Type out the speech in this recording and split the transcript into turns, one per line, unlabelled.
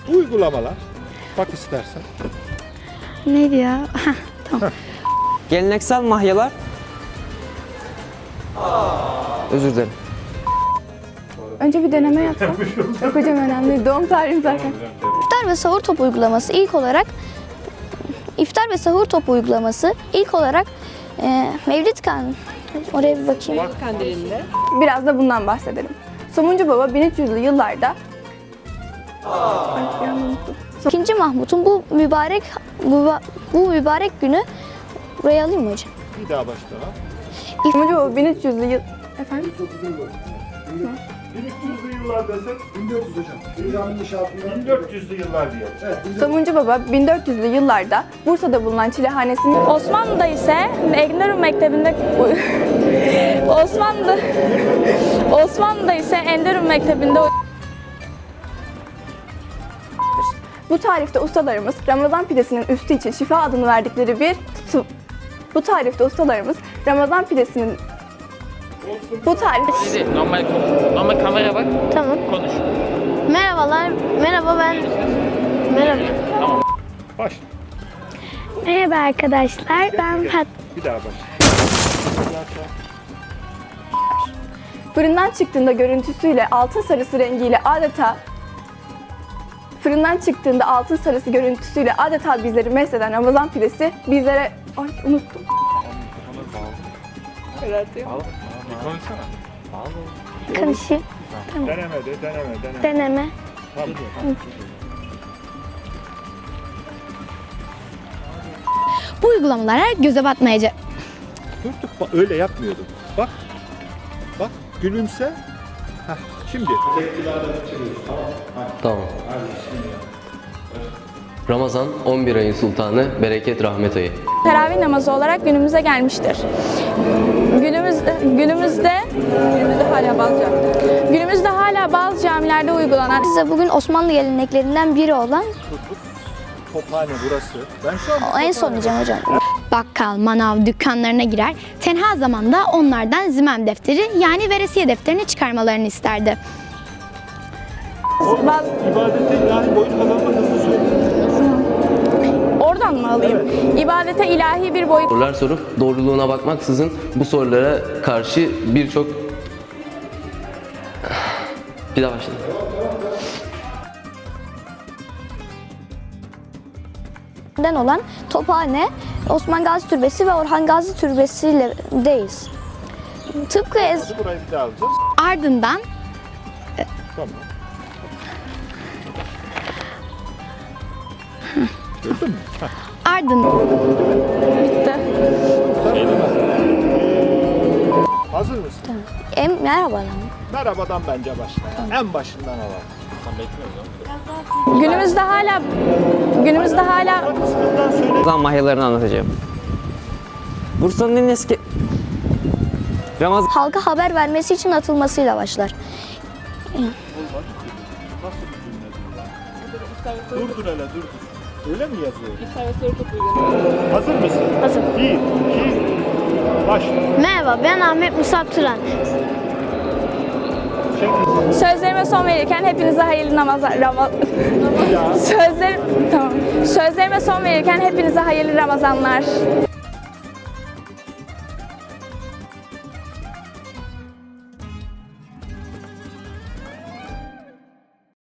Uygulamalar. Bak istersen.
Neydi ya? Tamam.
Geleneksel mahyalar. Özür dilerim.
Önce bir deneme yapsam. Yok hocam önemli değil. Doğum tarihim zaten.
İftar ve sahur topu uygulaması ilk olarak Mevlid Kandili. Oraya bir bakayım.
Biraz da bundan bahsedelim. Somuncu Baba 1300'lü yıllarda Ay, bir an unuttum.
2. Mahmut'un bu mübarek günü buraya alayım mı hocam?
Bir daha başla.
Somuncu Baba 1300'lü yıl... Efendim?
1300'lü yıllar desek 1400 hocam. Peygamberin inşaatında 1400'lü yıllar diyor. Evet.
Somuncu Baba 1400'lü yıllarda Bursa'da bulunan Çilehanesi'nin
Osmanlı'da ise Enderun Mektebi'nde Osmanlı'da ise Enderun Mektebi'nde
bu tarifte ustalarımız Ramazan pidesinin üstü için şifa adını verdikleri bir
Normal kamera bak.
Tamam.
Konuş.
Merhabalar. Merhaba ben. Merhaba.
Başla.
Merhaba arkadaşlar. Ben
Bir daha başla.
fırından çıktığında görüntüsüyle altın sarısı rengiyle adeta bizleri mesleden Ramazan pidesi bizlere... Ay unuttum.
Konuşayım. Deneme. Bu uygulamalara göze batmayacak.
Durduk bak öyle yapmıyordum. Bak. Bak gülümse. Heh, şimdi.
Tamam. Ramazan 11 ayın sultanı, bereket rahmet ayı.
teravih namazı olarak günümüze gelmiştir. Günümüzde hala bazı camilerde uygulanan
Size bugün Osmanlı geleneklerinden biri olan
Tophane burası. Ben şu an
en son diyeceğim hocam.
Bakkal, manav, dükkanlarına girer, tenha zamanda onlardan zimem defteri yani veresiye defterini çıkarmalarını isterdi.
ibadete ilahi boyut kazanma hızlı söylüyor.
oradan mı alayım? İbadete ilahi bir boyut
Sorular sorup doğruluğuna bakmaksızın bu sorulara karşı birçok... Bir daha başlayalım.
olan Tophane, Osman Gazi Türbesi ve Orhan Gazi Türbesi ile deyiz. Tıpkı
Burayı bir daha alacağız.
Ardından
Tamam. Gördün mü? Hazır mısın?
merhabalar.
Merhabadan bence başla. En başından alalım.
günümüzde hala
Kısmından söyle.
Ramazan mahyalarını anlatacağım. Bursa'nın en eski
Halka haber vermesi için atılmasıyla başlar.
Dur hele dur. Öyle mi yazıyor? Hazır mısın?
Hazır.
1, 2, başla.
Merhaba, ben Ahmet Musab Turan.
sözlerime son verirken hepinize hayırlı Sözlerime son verirken hepinize hayırlı Ramazanlar.